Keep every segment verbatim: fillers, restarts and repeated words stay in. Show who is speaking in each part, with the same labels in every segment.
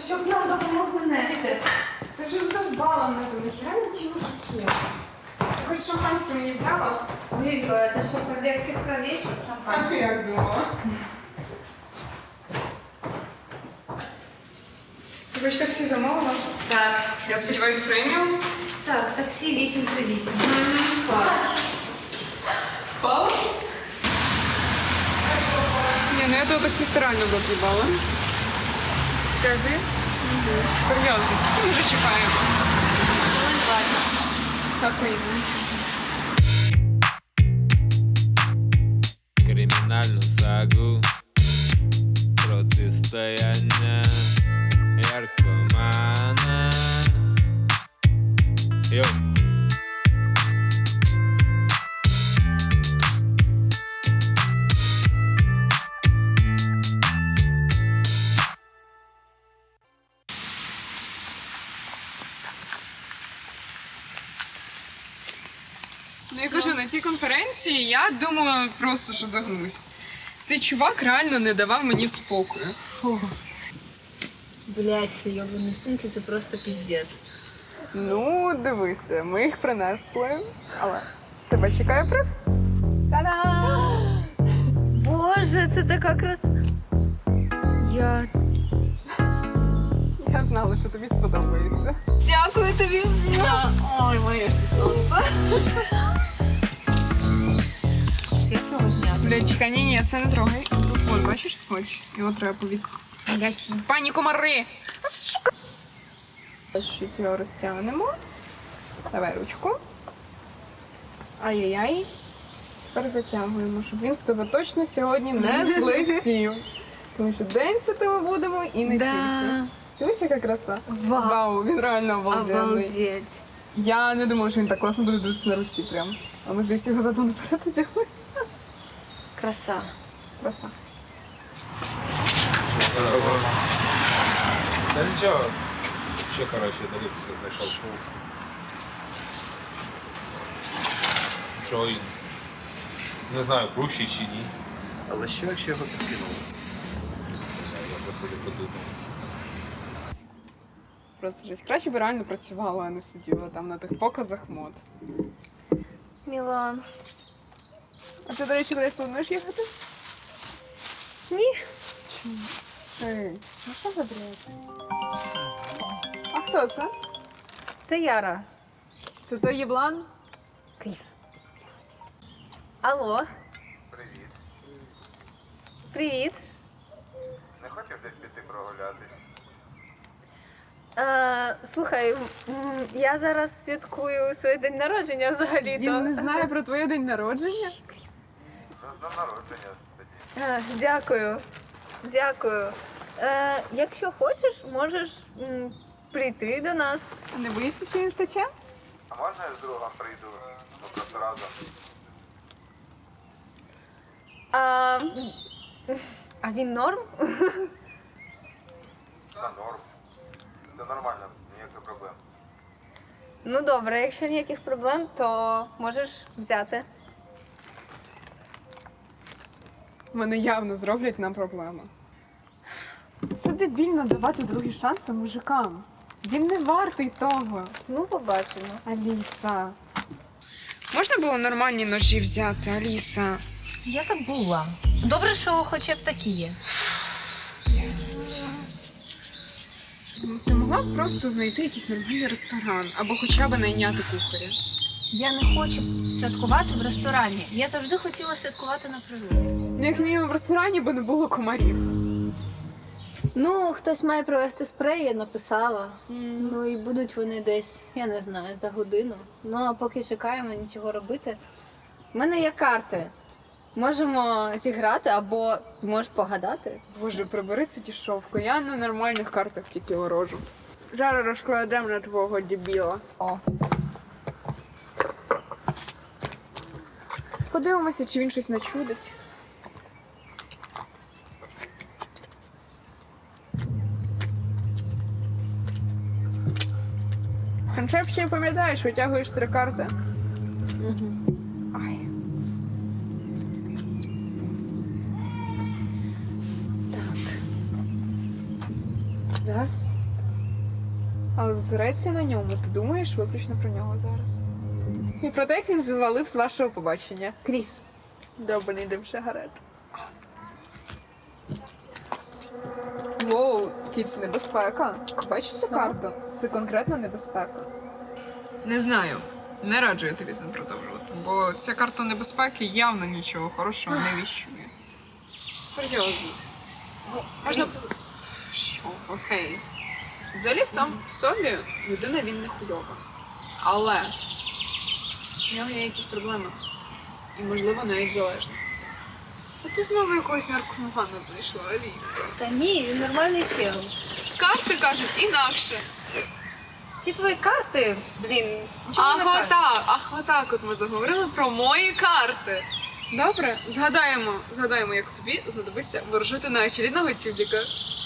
Speaker 1: щоб нам допомогли нести.
Speaker 2: Ти вже задовбала мене, то нереально ті мужики. Ти хоч шампанське мені взяла?
Speaker 1: Ой, это что, королевских кровей, что
Speaker 2: А
Speaker 1: шампанское?
Speaker 2: ти як думала? Ти хоч таксі замовила?
Speaker 1: Так,
Speaker 2: Я сподіваюся, преміум?
Speaker 1: так, таксі вісім три вісім. Клас.
Speaker 2: Пала? Ні, ну я того таксиста реально заблюбала.
Speaker 1: Скажи.
Speaker 2: Серйозно, скільки ми вже чекаємо?
Speaker 1: Хвилин двадцять.
Speaker 2: Так, вийде.
Speaker 3: Кримінальну сагу, протистояння яркомана. Йоу.
Speaker 2: Ну я кажу, на цій конференції я думала просто, що загнусь. Цей чувак реально не давав мені спокою.
Speaker 1: Блять, ці йобані сумки, це просто піздець.
Speaker 2: Ну, дивися, ми їх принесли, але тебе чекає приз. Та-дам!
Speaker 1: Боже, це така краса. Я...
Speaker 2: Я знала, що тобі сподобається.
Speaker 1: Дякую тобі. Ой, моє ж ти сонце. Це як його зняти?
Speaker 2: Блядь, чекай, ні, ні, це не трогай. Тут вон, бачиш скотч? Його треба повік.
Speaker 1: Блять.
Speaker 2: Пані комари! Сука! Чуть його розтягнемо. Давай ручку. Ай-яй-яй. Тепер затягуємо, щоб він з тебе точно сьогодні не злетів. Тому що день з тебе будемо і не
Speaker 1: Да.
Speaker 2: тільки. Дивись, яка краса.
Speaker 1: Вау.
Speaker 2: Вау, він реально обалденний.
Speaker 1: Обалдеть.
Speaker 2: Я не думала, що він так класно буде дивитися на руці прям. А ми здесь його задом наперед одягли.
Speaker 1: Краса.
Speaker 2: Краса.
Speaker 3: Та нічого. Що, коротше, дивіться, знайшов шоу. Що він? Не знаю, крущий чи ні.
Speaker 4: Але що, якщо його підкинули?
Speaker 3: Я просто не подумав.
Speaker 2: Просто жесть. Краще б реально працювала, а не сиділа там на тих показах мод.
Speaker 1: Мілан.
Speaker 2: А ти, до речі, кудись плануєш їхати?
Speaker 1: Ні.
Speaker 2: Чому? Ей, ну що за бред? А хто це?
Speaker 1: Це Яра.
Speaker 2: Це той єблан?
Speaker 1: Кріс. Алло.
Speaker 4: Привіт.
Speaker 1: Привіт.
Speaker 4: Не хочеш десь піти прогуляти?
Speaker 1: Е, слухай, м, я зараз святкую своє день народження взагалі-то.
Speaker 2: Він не знає про твоє день народження?
Speaker 4: З днем народження тоді.
Speaker 1: Е, дякую. Дякую. Е, якщо хочеш, можеш м, прийти до нас.
Speaker 2: А не боїшся, що він стече?
Speaker 4: А можна я з другом прийду? Ми просто разом.
Speaker 1: А, а він норм?
Speaker 4: Та норм. Це нормально, ніяких проблем.
Speaker 1: Ну добре, якщо ніяких проблем, то можеш взяти.
Speaker 2: Вони явно зроблять нам проблему. Це дебільно давати другі шанси мужикам. Він не вартий того.
Speaker 1: Ну, побачимо.
Speaker 2: Аліса. Можна було нормальні ножі взяти, Аліса?
Speaker 5: Я забула. Добре, що хоча б такі є.
Speaker 2: Ну, ти могла б просто знайти якийсь нормальний ресторан або хоча б найняти кухаря.
Speaker 5: Я не хочу святкувати в ресторані. Я завжди хотіла святкувати на природі.
Speaker 2: Ну, як мінімум в ресторані, бо не було комарів.
Speaker 6: Ну, хтось має привезти спрей, я написала. Ну і будуть вони десь, я не знаю, за годину. Ну, а поки чекаємо, нічого робити. У мене є карти. Можемо зіграти або можеш погадати.
Speaker 2: Боже, прибери цю дішовку. Я на нормальних картах тільки ворожу. Зараз розкладемо на твого дебіла.
Speaker 6: О.
Speaker 2: Подивимося, чи він щось начудить. Концепцію пам'ятаєш, витягуєш три карти.
Speaker 6: Угу.
Speaker 2: Ай.
Speaker 6: Так. Раз.
Speaker 2: Але зосередься на ньому, ти думаєш виключно про нього зараз. І про те, як він завалив з вашого побачення.
Speaker 6: Кріс,
Speaker 2: Добре, йдемо ще гарет. Воу, кіць, небезпека. Бачиш цю карту? Це конкретна небезпека. Не знаю. Не раджу я тобі з ним продовжувати, бо ця карта небезпеки явно нічого хорошого не віщує. Серйозно. Можна. Що? Окей. Взагалі сам в собі людина він не хуйова. Але в нього є якісь проблеми. І, можливо, навіть залежності. А ти знову якогось наркомана знайшла, Аліса.
Speaker 6: та ні, він нормальний чел.
Speaker 2: Карти кажуть інакше.
Speaker 6: Ці твої карти, блін, нічого
Speaker 2: Ах,
Speaker 6: не кажуть.
Speaker 2: отак, ах, отак от ми заговорили про мої карти. Добре, згадаємо, згадаємо, як тобі знадобиться ворожити на очередного тюбіка.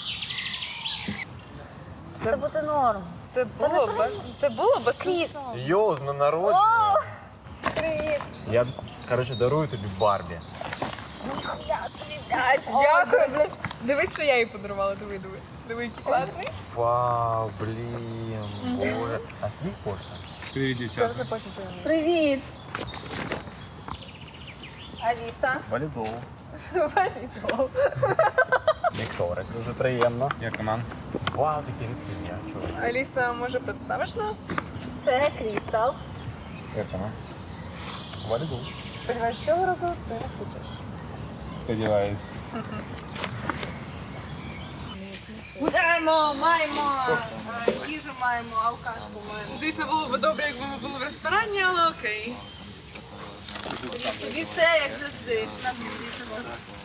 Speaker 6: Це буде норм.
Speaker 2: Це було без, це було без
Speaker 6: Кріс.
Speaker 4: Йоу, з днем народження.
Speaker 6: Привіт.
Speaker 4: Я, коротше, дарую тобі Барбі.
Speaker 2: Дякую, блядь. Дивись, що я їй подарувала, диви, диви. Диви, який класний.
Speaker 4: Вау, блін, боже. А скільки коштує?
Speaker 3: Привіт, дівчата.
Speaker 6: Привіт. Аліса.
Speaker 4: Валідол.
Speaker 6: Валідол.
Speaker 4: Вікторик, дуже приємно.
Speaker 3: Як команд?
Speaker 4: Вау, такі рідкі, я чую.
Speaker 2: Аліса, може, представиш нас?
Speaker 6: Це Крістал.
Speaker 4: Як вона? Валідол.
Speaker 2: Сподіваюсь, цього разу ти не хочеш.
Speaker 3: Сподіваюсь.
Speaker 2: Гуляємо, маємо, е, їжу маємо, алкашку маємо. Звісно, було б добре, якби ми були в ресторані, але окей.
Speaker 6: Собі це, як завжди. На друзі.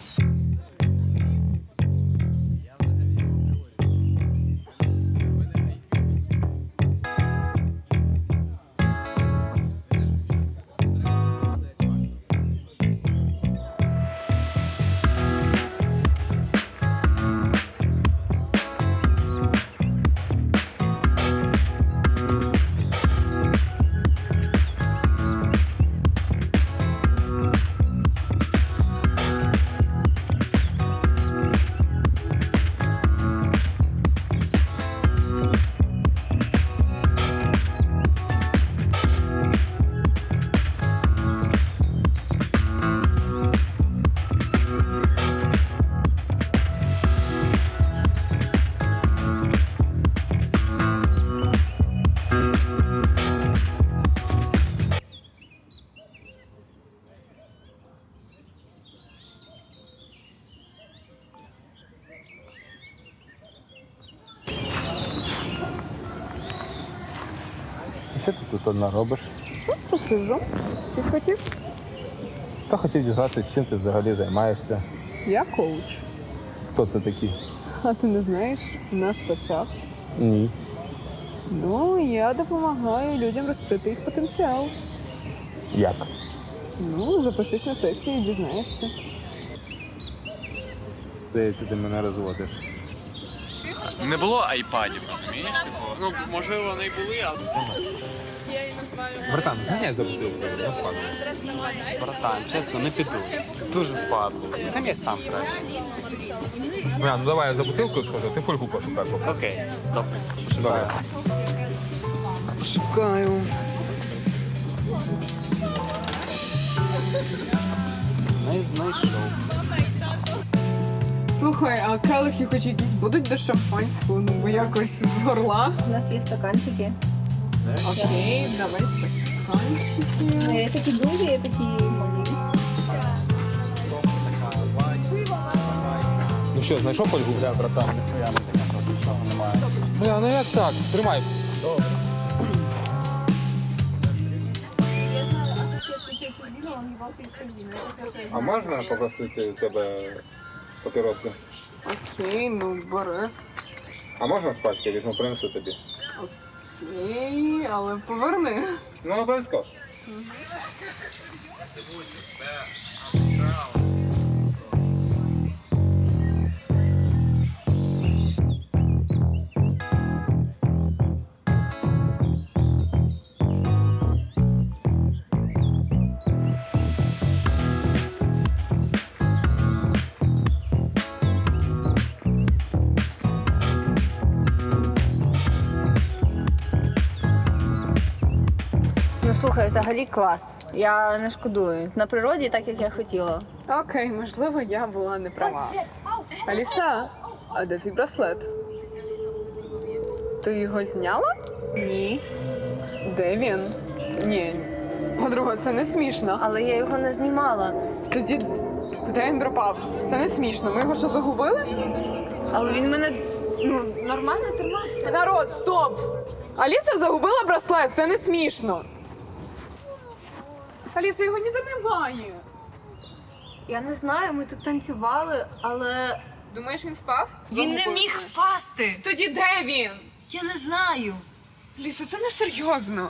Speaker 4: Що ти тут одна робиш?
Speaker 2: Просто сиджу. Ти хотів?
Speaker 4: Та хотів дізнатися, чим ти взагалі займаєшся.
Speaker 2: Я коуч.
Speaker 4: Хто це такий?
Speaker 2: А ти не знаєш, у нас то час.
Speaker 4: Ні.
Speaker 2: Ну, я допомагаю людям розкрити їх потенціал.
Speaker 4: Як?
Speaker 2: Ну, запишись на сесію і дізнаєшся.
Speaker 4: Здається, ти мене розводиш.
Speaker 7: Не було айпадів, розумієш? Типу, ну, можливо, вони й були, але...
Speaker 3: Братан, зганяй за бутилку.
Speaker 7: Братан, чесно, не піду. Дуже впадло. Сам я сам краще.
Speaker 3: Бля, ну давай я за бутилкою схожу, ти фольгу пошукай. поки.
Speaker 7: Окей, добре.
Speaker 3: Давай.
Speaker 7: Шукаю. Не знайшов.
Speaker 2: Слухай, а келихи хоч якісь будуть до шампанського, ну бо якось з горла.
Speaker 6: У нас є стаканчики.
Speaker 2: Окей, давай стаканчики.
Speaker 6: Ну, є такі дуже, є такі малі.
Speaker 3: Ну що, знайшов фольгу?
Speaker 4: Бля, братан, ніхуя не така нічого немає.
Speaker 3: Бля, ну як так? Тримай.
Speaker 4: Добре.
Speaker 3: А можна попросити у тебе папіроси?
Speaker 2: Окей, ну бери.
Speaker 3: А можна з пачки візьму, принесу тобі?
Speaker 2: Окей, але поверни.
Speaker 3: Ну, обов'язково.
Speaker 6: Слухай, взагалі клас. Я не шкодую. На природі так, як я хотіла.
Speaker 2: Окей, можливо, я була не права. Аліса, а де твій браслет? Ти його зняла?
Speaker 6: Ні.
Speaker 2: Де він? Ні, подруга, це не смішно.
Speaker 6: Але я його не знімала.
Speaker 2: Тоді куди він пропав? Це не смішно. Ми його що, загубили?
Speaker 6: Але він мене ну, нормально тримався.
Speaker 2: Народ, стоп! Аліса загубила браслет, це не смішно. Аліса, його ніде немає.
Speaker 6: Я не знаю, ми тут танцювали, але
Speaker 2: Думаєш, він впав?
Speaker 5: Він не
Speaker 2: Загубив.
Speaker 5: міг впасти.
Speaker 2: Тоді де він?
Speaker 5: Я не знаю.
Speaker 2: Аліса, це не серйозно.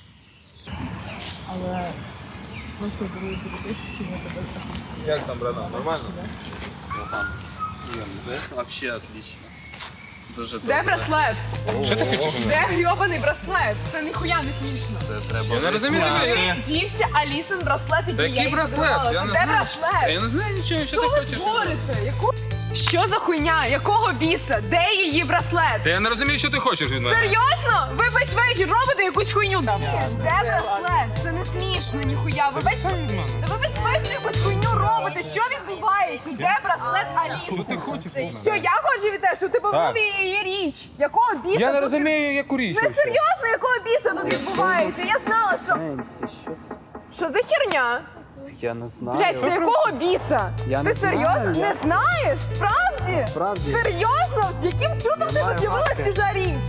Speaker 3: Як там, братан, нормально?
Speaker 7: Ну там, Ігор, взагалі отлично. Дуже
Speaker 2: Де
Speaker 7: добре.
Speaker 2: браслет?
Speaker 3: Що ти хочеш?
Speaker 2: Де грьобаний браслет? Це ніхуя не смішно.
Speaker 7: Це треба
Speaker 3: Я не розумію
Speaker 7: виясняти.
Speaker 3: тебе.
Speaker 2: Дівся Алісин браслет, який
Speaker 3: Та
Speaker 2: я
Speaker 3: який
Speaker 2: їй
Speaker 3: браслет?
Speaker 2: подарувала.
Speaker 3: Я
Speaker 2: Це
Speaker 3: не
Speaker 2: де
Speaker 3: знаю.
Speaker 2: браслет?
Speaker 3: Я не знаю нічого, що
Speaker 2: Що
Speaker 3: ти
Speaker 2: ви
Speaker 3: хочеш.
Speaker 2: творите? Яку... Що за хуйня? Якого біса? Де її браслет?
Speaker 3: Та я не розумію, що ти хочеш від мене.
Speaker 2: Серйозно? Ви весь вечір робите якусь хуйню? Де браслет? Це не смішно, ніхуя. Ви весь, Та ви весь вечір якусь хуйню робите. Що відбувається? Де браслет Аліси?
Speaker 3: Що ти хочеш?
Speaker 2: Що я хочу від тебе, що ти побув
Speaker 3: Так.
Speaker 2: її річ? Якого біса?
Speaker 3: Я не
Speaker 2: тут
Speaker 3: розумію, яку річ.
Speaker 2: від- Ви серйозно, якого біса тут відбувається? Я знала, що...
Speaker 7: Сенсі, що це?
Speaker 2: Що за херня?
Speaker 7: Я не знаю.
Speaker 2: Блять, це якого біса?
Speaker 7: Я
Speaker 2: Ти
Speaker 7: не
Speaker 2: серйозно?
Speaker 7: знаю,
Speaker 2: Не
Speaker 7: як це.
Speaker 2: знаєш? Справді?
Speaker 7: Справді.
Speaker 2: Серйозно? Яким чудом в тебе
Speaker 7: Немає
Speaker 2: з'явилась
Speaker 7: матки.
Speaker 2: чужа річ?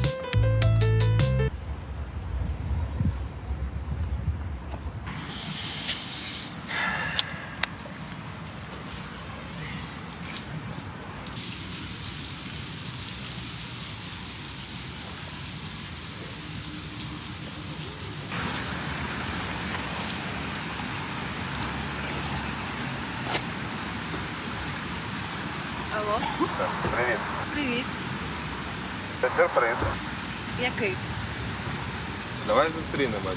Speaker 5: Алло,
Speaker 4: Привіт.
Speaker 5: привіт.
Speaker 4: Це сюрприз.
Speaker 5: Який?
Speaker 3: Давай зустрінемося.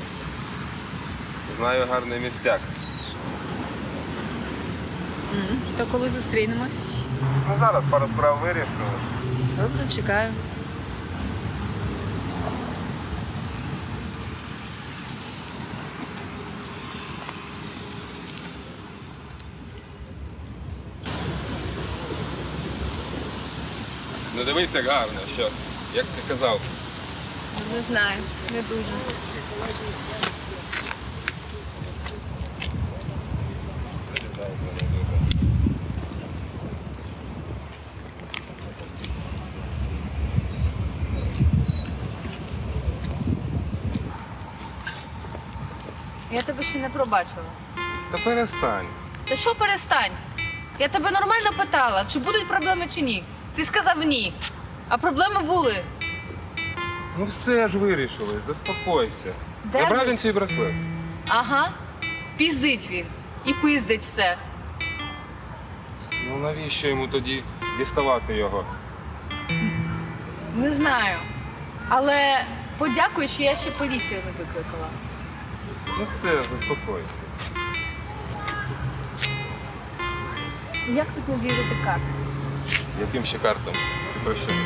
Speaker 3: Знаю гарний місцяк.
Speaker 5: То коли зустрінемось?
Speaker 4: Ну зараз пару справ вирішу.
Speaker 5: Добре, чекаю.
Speaker 3: Ну дивись, як гарно, що? Як ти казав.
Speaker 5: Не знаю, не дуже. Я тебе ще не пробачила.
Speaker 3: Та перестань.
Speaker 5: Та що перестань? Я тебе нормально питала, чи будуть проблеми чи ні. Ти сказав ні. А проблеми були.
Speaker 3: Ну все ж вирішили, заспокойся.
Speaker 5: Де
Speaker 3: Я брав
Speaker 5: ви?
Speaker 3: він цей браслет.
Speaker 5: Ага. Піздить він. І пиздить все.
Speaker 3: Ну навіщо йому тоді діставати його?
Speaker 5: Не знаю. Але подякуй, що я ще поліцію не викликала.
Speaker 3: Ну все, заспокойся.
Speaker 5: Як тут не вірити карт?
Speaker 3: Яким ще картам? Ти про що?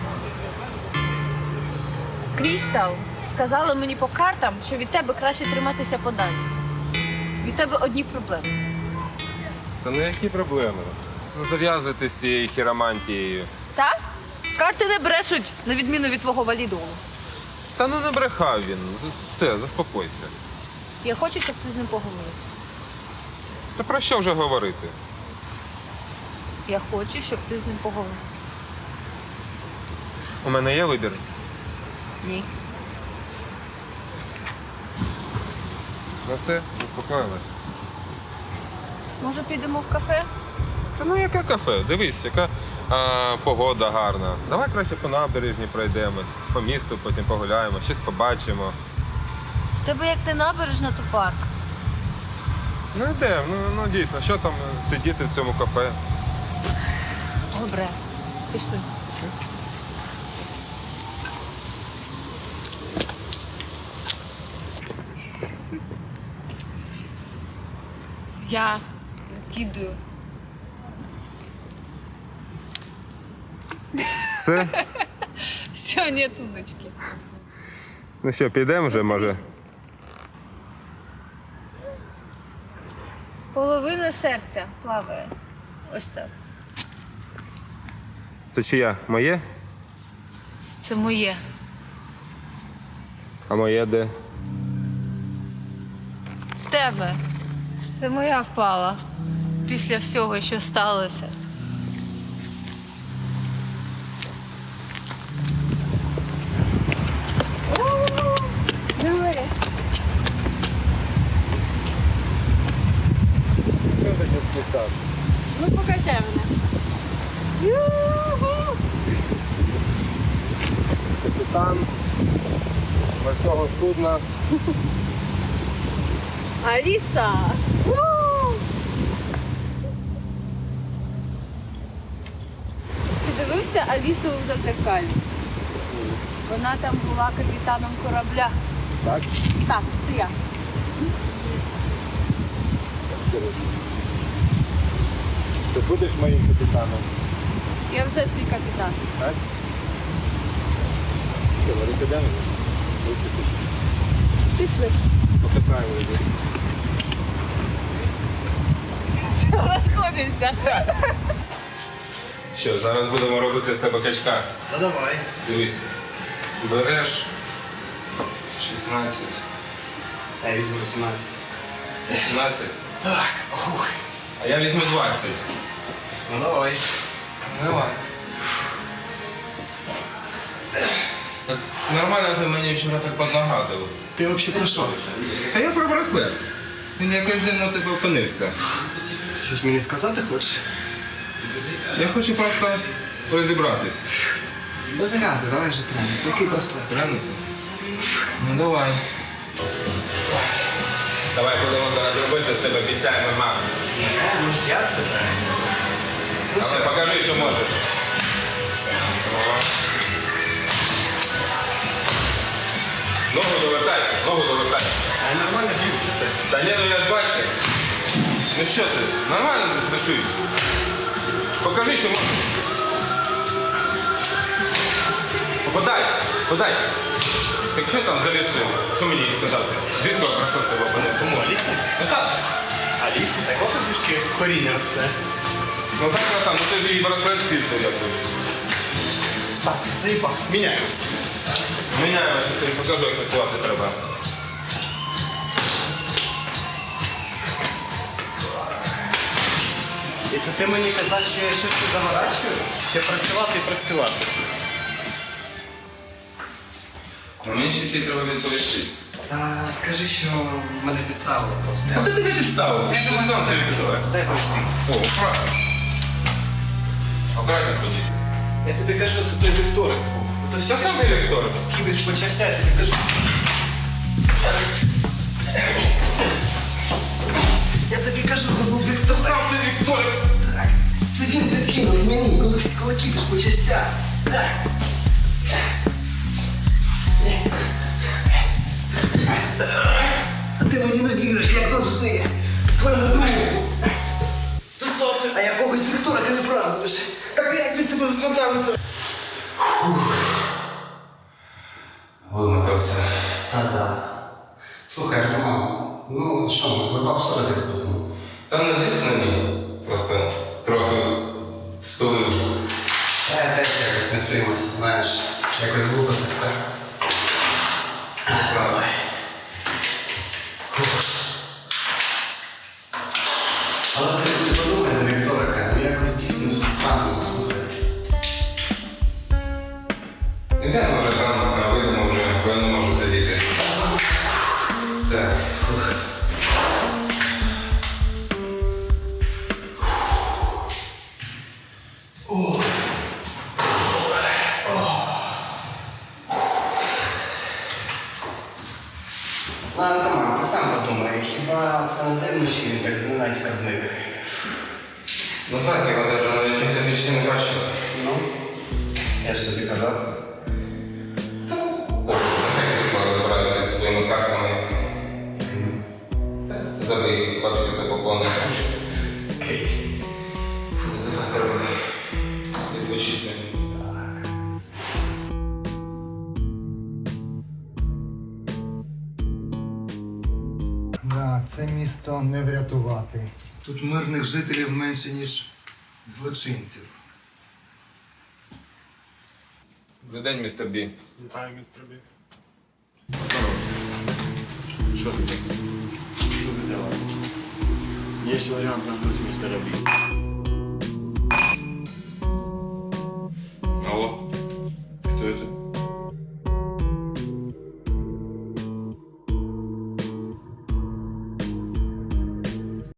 Speaker 5: Крістал сказала мені по картам, що від тебе краще триматися подалі. Від тебе одні проблеми.
Speaker 3: Та ну які проблеми? Ну зав'язуйте з цією хіромантією.
Speaker 5: Так? Карти не брешуть, на відміну від твого валідолу.
Speaker 3: Та ну не брехав він. З- Все, заспокойся.
Speaker 5: Я хочу, щоб ти з ним поговорив.
Speaker 3: Та про що вже говорити?
Speaker 5: Я хочу, щоб ти з ним поговорив.
Speaker 3: У мене є вибір.
Speaker 5: Ні.
Speaker 3: Ну все, заспокоїлась.
Speaker 5: Може, підемо в кафе?
Speaker 3: Та ну яке кафе? Дивись, яка а, погода гарна. Давай краще по набережні пройдемось, по місту потім погуляємо, щось побачимо.
Speaker 5: В тебе як не набережна, то парк.
Speaker 3: Ну йдемо, ну, ну дійсно, що там сидіти в цьому кафе?
Speaker 5: Добре. Пішли. Я закидую.
Speaker 3: Все?
Speaker 5: Все, нет удочки.
Speaker 3: Ну що, підемо вже, може?
Speaker 6: серця плаває. Ось так.
Speaker 3: Це чия? Моє?
Speaker 6: Це моє.
Speaker 3: А моє де?
Speaker 6: В тебе. Це моя впала. Після всього, що сталося. Дивись. Ну, покачай мене. Ю-ху!
Speaker 3: Капітан морського судна.
Speaker 6: Аліса! Ти дивився Алісу у зазеркалі? Вона там була капітаном корабля.
Speaker 3: Так?
Speaker 6: Так, це я.
Speaker 3: Ти будеш моїм капітаном?
Speaker 6: Я вже твій капітан.
Speaker 3: Так? Що, вони підемо?
Speaker 6: Пішли.
Speaker 3: Покатаємо людей.
Speaker 6: Розходимося.
Speaker 3: Що, зараз будемо робити з тебе качка.
Speaker 7: Та давай.
Speaker 3: Дивись. Береш шістнадцять.
Speaker 7: Я візьму вісімнадцять.
Speaker 3: вісімнадцять.
Speaker 7: Так. Ух.
Speaker 3: А я візьму двадцять.
Speaker 7: Ну давай.
Speaker 3: Давай. Так нормально ти мені вчора так поднагадував.
Speaker 7: Ти взагалі про що?
Speaker 3: А я про браслет. Він якось дивно тебе опинився.
Speaker 7: Щось мені сказати хочеш?
Speaker 3: Я хочу просто розібратись.
Speaker 7: Без газу, давай же тренер. Такий браслет.
Speaker 3: Глянути? Ну давай. Давай будемо зараз робити з тебе обіцяємо маму.
Speaker 7: Ну ж я з тебе.
Speaker 3: Давай, покажи, що можеш. О. Ногу довертай, ногу довертай.
Speaker 7: А нормально б'ю, що ти?
Speaker 3: Та ні, ну я ж бачу. Ну що ти, нормально ти працюєш? Покажи, що можеш. Подай, подай. Так що там за лісом? Що мені сказати? Звідки я просто тебе опинився?
Speaker 7: Кому, Алісі?
Speaker 3: Ну так.
Speaker 7: Алісі, так от звідки коріння росте.
Speaker 3: Ну так, ну так, ну ти ж її браслет звідти якось.
Speaker 7: Так, заїбав, міняємось.
Speaker 3: Міняємося, тобі покажу, як працювати треба.
Speaker 7: І це ти мені казав, що я щось тут заворачую? Ще працювати і працювати.
Speaker 3: Ну мені ще слід треба відповісти.
Speaker 7: Та скажи, що мене підставили просто.
Speaker 3: Хто тебе підставив? Я тебе сам собі підставив.
Speaker 7: Дай пройти.
Speaker 3: О, аккуратно. Аккуратно ходіть.
Speaker 7: Я тобі кажу, це той вікторик був. То все
Speaker 3: Я сам директор.
Speaker 7: кібіш почався, я тобі кажу. Я тобі кажу, то був вікторик.
Speaker 3: Сам ти Віктор.
Speaker 7: Так, це він підкинув мені, коли, коли кібіш почався. Так. А ти мені не віриш, як завжди. Своєму другу. А якогось вікторика не правдуєш. Так як він тебе вкладався?
Speaker 3: Вимотався.
Speaker 7: Та-да. Слухай, Артема, ну що, ми за баб ссоритись будемо?
Speaker 3: Та не звісно ні. Просто трохи спилив.
Speaker 7: Та я теж якось не втримався, знаєш. Якось глупо це все.
Speaker 3: Правда.
Speaker 7: Але ти, ти подумай за Вікторика, ну якось дійсно все странно, слухай.
Speaker 3: Ідемо вже там, а вийдемо вже, бо я не можу сидіти. Так.
Speaker 7: Ладно, команд, ти сам подумай, хіба це не дивно, що він так зненацька зник?
Speaker 3: Ну так, його навіть навіть ніхто більше не бачив.
Speaker 7: Ну, я ж тобі казав.
Speaker 3: Нехай скоро забираються зі своїми картами. Забий, бачите, це поповнення.
Speaker 7: Окей.
Speaker 3: Фу, давай треба відпочити.
Speaker 8: Да, А це місто не врятувати. Тут мирних жителів менше, ніж злочинців.
Speaker 3: Добрий день, містер Бі.
Speaker 9: Вітаю, містер Бі.
Speaker 3: Що таке?
Speaker 9: Что за дела? Есть вариант нагнуть мистера Би.